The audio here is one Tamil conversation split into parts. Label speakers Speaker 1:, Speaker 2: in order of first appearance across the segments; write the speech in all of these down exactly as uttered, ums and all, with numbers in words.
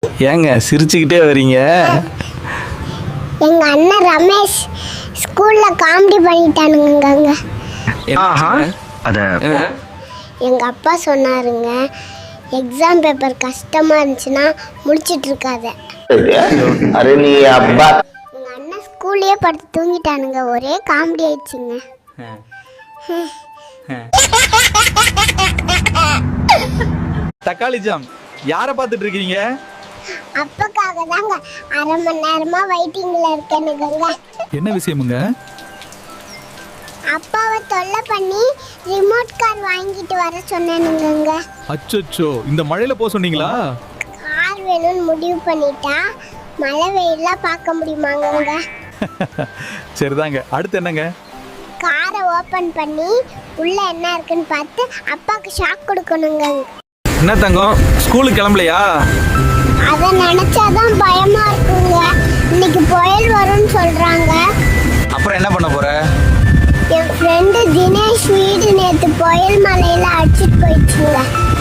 Speaker 1: ஏங்க சிரிச்சுக்கிட்டே வரீங்க?
Speaker 2: எங்க அண்ணன் ரமேஷ் ஸ்கூல்ல காமெடி பண்ணிட்டானுங்க.
Speaker 3: அத
Speaker 2: எங்க அப்பா சொன்னாருங்க, எக்ஸாம் பேப்பர் கஷ்டமா இருந்துச்சுன்னா முடிச்சிட்டு இருக்காத.
Speaker 4: அரே நீ அப்பா.
Speaker 2: எங்க அண்ணன் ஸ்கூல்லயே படுத்து தூங்கிட்டானுங்க. ஒரே காமெடி ஆயிடுச்சுங்க.
Speaker 1: தக்காளி ஜாம் யாரை பார்த்துட்டு இருக்கீங்க?
Speaker 2: அப்பக்காக தாங்க அரை மணி நேரமா வெயிட்டிங்ல இருக்கேனுங்க.
Speaker 1: என்ன விஷயமுங்க?
Speaker 2: அப்பாவை தொல்லை பண்ணி ரிமோட் கார் வாங்கிட்டு வர சொன்னேனுங்க.
Speaker 1: அச்சோ, இந்த மழையில போக சொன்னீங்களா?
Speaker 2: கார் வேணும்னு முடிவு பண்ணிட்டா மழை வெயிலாம் பார்க்க முடியுமாங்க?
Speaker 1: சரிதாங்க, அடுத்து என்னங்க?
Speaker 2: காரை ஓபன் பண்ணி உள்ள என்ன இருக்குன்னு பார்த்து அப்பாவுக்கு ஷாக் கொடுக்கணுங்க.
Speaker 1: என்ன தங்கம், ஸ்கூலுக்கு கிளம்பலையா?
Speaker 2: அதை நினைச்சாதான் பயமா இருக்குங்க. இன்னைக்கு புயல் வரும்னு சொல்றாங்க.
Speaker 1: அப்புறம் என்ன பண்ண போற?
Speaker 2: என் ஃப்ரெண்டு தினேஷ் வீடு நேத்து புயல் மலையில அடிச்சிட்டு போயிடுச்சுங்க.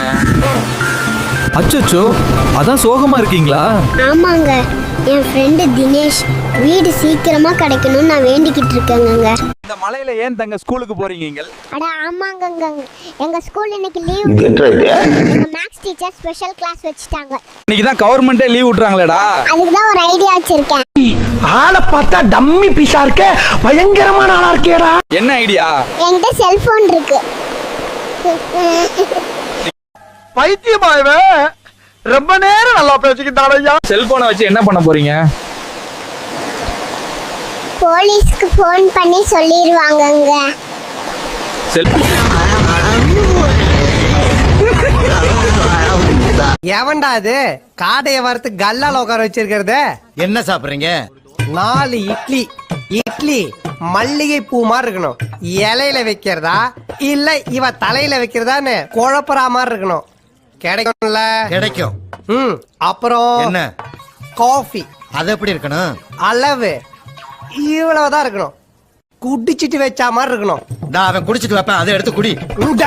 Speaker 1: அச்சோ, அதான் சோகமா இருக்கீங்களா?
Speaker 2: ஆமாங்க, என் ஃப்ரெண்டு தினேஷ் வீடு சீக்கிரமா கிடைக்கணும்னு நான் வேண்டிக்கிட்டு இருக்கேங்க.
Speaker 1: இந்த மலையில ஏன் தங்க ஸ்கூலுக்கு போறீங்க?
Speaker 2: அட ஆமாங்க, எங்க ஸ்கூல் இன்னைக்கு லீவ். எங்க மேக்ஸ் டீச்சர் ஸ்பெஷல் கிளாஸ் வச்சிட்டாங்க.
Speaker 1: இன்னைக்கு தான் கவர்மெண்டே லீவ் விட்டுறாங்களேடா.
Speaker 2: அதுக்கு தான் ஒரு ஐடியா வச்சிருக்கேன்.
Speaker 4: ஆளை பார்த்தா டம்மி பீஸா இருக்க, பயங்கரமான ஆளா இருக்கேடா.
Speaker 1: என்ன ஐடியா?
Speaker 2: என்கிட்ட செல்போன் இருக்கு.
Speaker 4: பைத்தியமா இவன், ரொம்ப நேரம் நல்லா பேசிக்கிட்டான் ஐயா.
Speaker 1: செல்போனை வச்சு என்ன பண்ண போறீங்க?
Speaker 2: போலீஸ்க்கு ஃபோன் பண்ணி சொல்லிடுவாங்கங்க.
Speaker 5: எவன்டா அது காடைய வறுத்து கல்லால உட்கார வச்சிருக்கிறது?
Speaker 3: என்ன சாப்பிடுறீங்க?
Speaker 5: நாலு இட்லி. இட்லி மல்லிகை பூ மாதிரி இருக்கணும். இலையில வைக்கிறதா இல்ல இவ தலையில வைக்கிறதான்னு குழப்பறா மாதிரி இருக்கணும். கிடைக்கும்ல?
Speaker 3: கிடைக்கும்.
Speaker 5: ம் அப்புறம்
Speaker 3: என்ன?
Speaker 5: காஃபி.
Speaker 3: அது எப்படி இருக்கணும்?
Speaker 5: அளவு இவ்வளவுதான் இருக்கணும். குடிச்சிட்டு வச்சா மாதிரி இருக்கணும்.
Speaker 3: நான் அவன் குடிச்சிட்டு வைப்பேன், அதை எடுத்து குடி.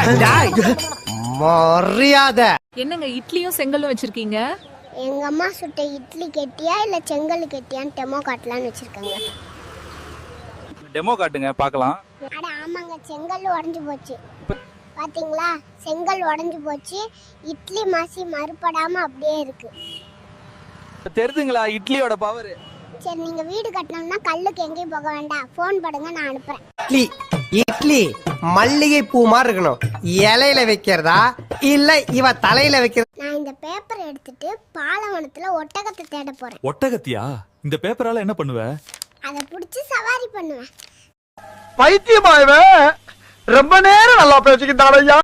Speaker 5: மரியாதை.
Speaker 6: என்னங்க இட்லியும் செங்கலும் வச்சிருக்கீங்க?
Speaker 2: எங்க அம்மா சுட்ட இட்லி கெட்டியா இல்ல செங்கல் கெட்டியான்னு டெமோ காட்டலான்னு வச்சிருக்காங்க.
Speaker 1: டெமோ காட்டுங்க பார்க்கலாம்.
Speaker 2: அட ஆமாங்க, செங்கல் உடைஞ்சு போச்சு. பாத்தீங்களா, செங்கல் உடைஞ்சு போச்சு. இட்லி மாசி மறுபடாம அப்படியே இருக்கு.
Speaker 1: தெரிதுங்களா இட்லியோட பவர்?
Speaker 2: சரி, நீங்க வீடு கட்டணும்னா கல்லுக்கு எங்கேயும் போக வேண்டாம், போன் பண்ணுங்க, நான் அனுப்புறேன்.
Speaker 5: இட்லி இட்லி மல்லிகை பூ மாதிரி இருக்கணும். இலையில வைக்கிறதா இல்ல இவ தலையில வைக்கிறதா?
Speaker 2: நான் இந்த பேப்பர் எடுத்துட்டு பாலவனத்துல ஒட்டகத்தை தேட போறேன்.
Speaker 1: ஒட்டகத்தியா? இந்த பேப்பரால என்ன பண்ணுவ?
Speaker 2: அதை புடிச்சு சவாரி பண்ணுவேன்.
Speaker 4: பைத்தியமா இவன், ரொம்ப நேரம் நல்லா பேசிக்கிட்டான் ஐயா.